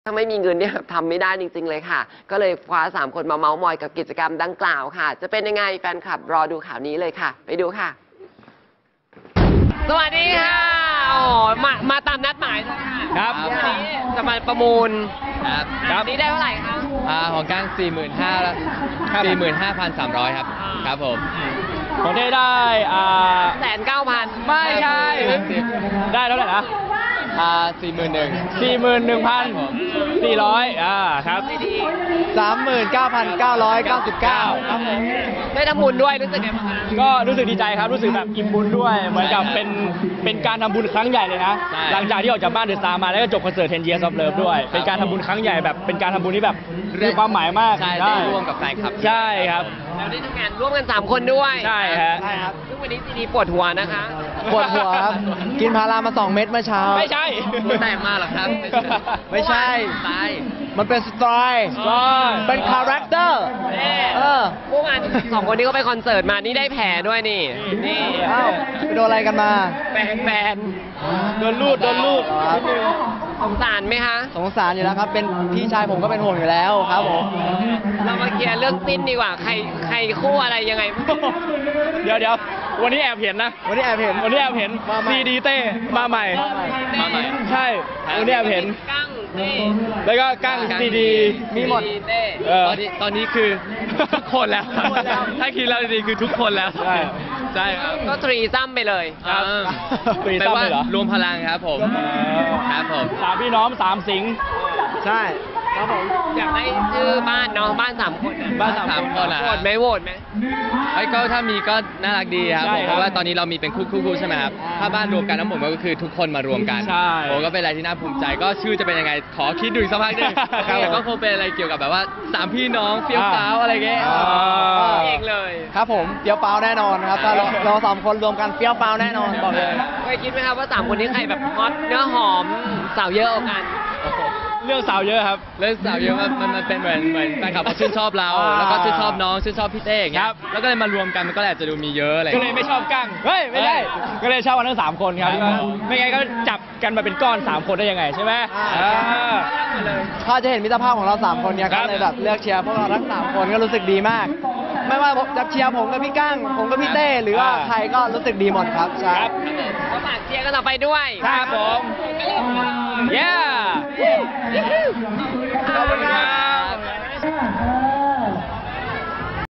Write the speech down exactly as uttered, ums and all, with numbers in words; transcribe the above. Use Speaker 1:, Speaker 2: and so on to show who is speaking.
Speaker 1: ถ้าไม่มีเงินเนี่ยทำไม่ได้จริงๆเลยค่ะก็เลยคว้าสามคนมาเมาส์มอยกับกิจกรรมดังกล่าวค่ะจะเป็นยังไงแฟนคลับรอดูข่าวนี้เลยค่ะไปดูค่ะสวัสดีค่ะโอ้มามาตามนัดหมายเลยค่ะ
Speaker 2: ครับ
Speaker 1: วันนี้จะมาประมูล
Speaker 2: ครับ
Speaker 1: ครับนี้ได้เท่าไหร่คะ
Speaker 2: อ่าของก้างสี่หมื่นห้าสี่หมื่นห้าพันสามร้อยครับครับผม
Speaker 3: ของเท่ได้อ่า
Speaker 1: แสนเก้าพัน
Speaker 3: ไม่ใช่ได้เท่าไหร่นะ
Speaker 2: อ่าสี่หมื่นหนึ่ง
Speaker 3: สี่หมื่นหนึ่งพันสี่ร้อยอ่าครับ
Speaker 2: สามหมื่นเก้าพันเก้าร้อยเก้าสิบเก้าครับผม
Speaker 1: ได้ทำบุญด้วยรู้สึกไงบ้างคะ
Speaker 3: ก็รู้สึกดีใจครับรู้สึกแบบอิ่มบุญด้วยเหมือนกับเป็นเป็นการทำบุญครั้งใหญ่เลยนะหลังจากที่ออกจากบ้านเดอะสตาร์มาแล้วก็จบคอนเสิร์ตten years of love ด้วยเป็นการทำบุญครั้งใหญ่แบบเป็นการทำบุญที่แบบมีความหมายมาก
Speaker 2: ใช่ได้ร่วมกับแฟนคลับ
Speaker 3: ใช่ครับ
Speaker 1: แล้วได้ทำงานร่วมกันสามคนด้วย
Speaker 3: ใช่ฮะ
Speaker 1: ใช่ครับซึ่งวันนี้ซีดีปวดหัวนะคะ
Speaker 2: ปวดหัวครับกินพารามาสองเม็ดเมื่อเช้า
Speaker 3: ไม่ใช่
Speaker 2: หัวแตกมากหรอครับ
Speaker 1: ไม่ใช่
Speaker 2: ตายมันเป็นสไตล์เป็นคาแรคเตอร์
Speaker 1: เออเมื่อวานสองคนนี้ก็ไปคอนเสิร์ตมานี่ได้แผลด้วยนี่นี่
Speaker 2: อ้าวไปโดนอะไรกันมา
Speaker 1: แฟนแฟน
Speaker 3: โดนลูดโดนลูด
Speaker 1: สงสารไหมคะ
Speaker 2: สงสารอยู่แล้วครับเป็นพี่ชายผมก็เป็นห่วงอยู่แล้วครับผม
Speaker 1: เรามาเคลียร์เรื่องติ้นดีกว่าใครใครคู่อะไรยังไง
Speaker 3: เดี๋ยวเดี๋ยววันนี้แอบเห็นนะ
Speaker 2: วันนี้แอบเห็น
Speaker 3: วันนี้แอบเห็นซีดีเต้มาใหม่
Speaker 1: มาใหม่
Speaker 3: ใช่วันนี้แอบเห็น
Speaker 1: กั้งนี่
Speaker 3: แล้วก็กั้งซีดี
Speaker 2: มีหมด
Speaker 3: ตอนนี้
Speaker 2: ตอนนี้คือทุกคนแล้วถ้าคิดแล้วดีคือทุกคนแล้ว
Speaker 3: ใช่
Speaker 2: ใช่ครับ
Speaker 1: ก็ทรีซัมไปเลย
Speaker 3: ครับทรีซัมเลยเหรอ
Speaker 2: รวมพลังครับผมครับผม
Speaker 3: สามพี่น้องสามสิง
Speaker 2: ใช่ครับผม
Speaker 1: อยากได้ชื่อบ้านเนาะบ้านสามคน
Speaker 2: บ้านสามคนอ่ะ
Speaker 1: โหวตไหมโหวตไหม
Speaker 2: ไอ้ก็ถ้ามีก็น่ารักดีครับเพราะว่าตอนนี้เรามีเป็นคู่คู่ใช่ไหมครับถ้าบ้านรวมกันทั้งหมดก็คือทุกคนมารวมกัน
Speaker 3: ใช่
Speaker 2: โอ้ก็เป็นอะไรที่น่าภูมิใจก็ชื่อจะเป็นยังไงขอคิดดูอีกสักพักหนึ่งแต่ก็คงเป็นอะไรเกี่ยวกับแบบว่าสามพี่น้องเฟี้ยวฟ้าวอะไรเงี้ย
Speaker 1: เองเลย
Speaker 2: ครับผมเฟี้ยวฟ้าวแน่นอนครับถ้าเราสามคนรวมกันเฟี้ยวฟ้าวแน่นอนบอกเลย
Speaker 1: เคยคิดไหมครับว่าสามคนนี้ใครแบบฮอตเนื้อหอมสาวเยอะกัน
Speaker 3: เรื่องสาวเยอะครับ
Speaker 2: เรื่องสาวเยอะมันมันเป็นเหมือนเหมือนแฟนคลับเขาชื่นชอบเราแล้วก็ชื่นชอบน้องชื่นชอบพี่เต้อย่างเงี้ยแล้วก็เลยมารวมกันมันก็อาจจะดูมีเยอะอะไร
Speaker 3: ก็เลยไม่ชอบกั้งเฮ้ยไม่ได้ก็เลยชอบกันทั้งสามคนครับไม่งั้นก็จับกันมาเป็นก้อนสามคนได้ยังไงใช่ไหม
Speaker 2: ถ้าจะเห็นมิตรภาพของเราสามคนเนี่ยก็เลยแบบเลือกเชียร์พวกเราทั้งสามคนก็รู้สึกดีมากไม่ว่าจะเชียร์ผมกับพี่กั้งผมกับพี่เต้หรือว่าใครก็รู้สึกดีหมดครับใช่
Speaker 1: ครับก็ฝากเชียร์กันต่อไปด้วย
Speaker 3: ครับผม yeah ขอบคุณครับ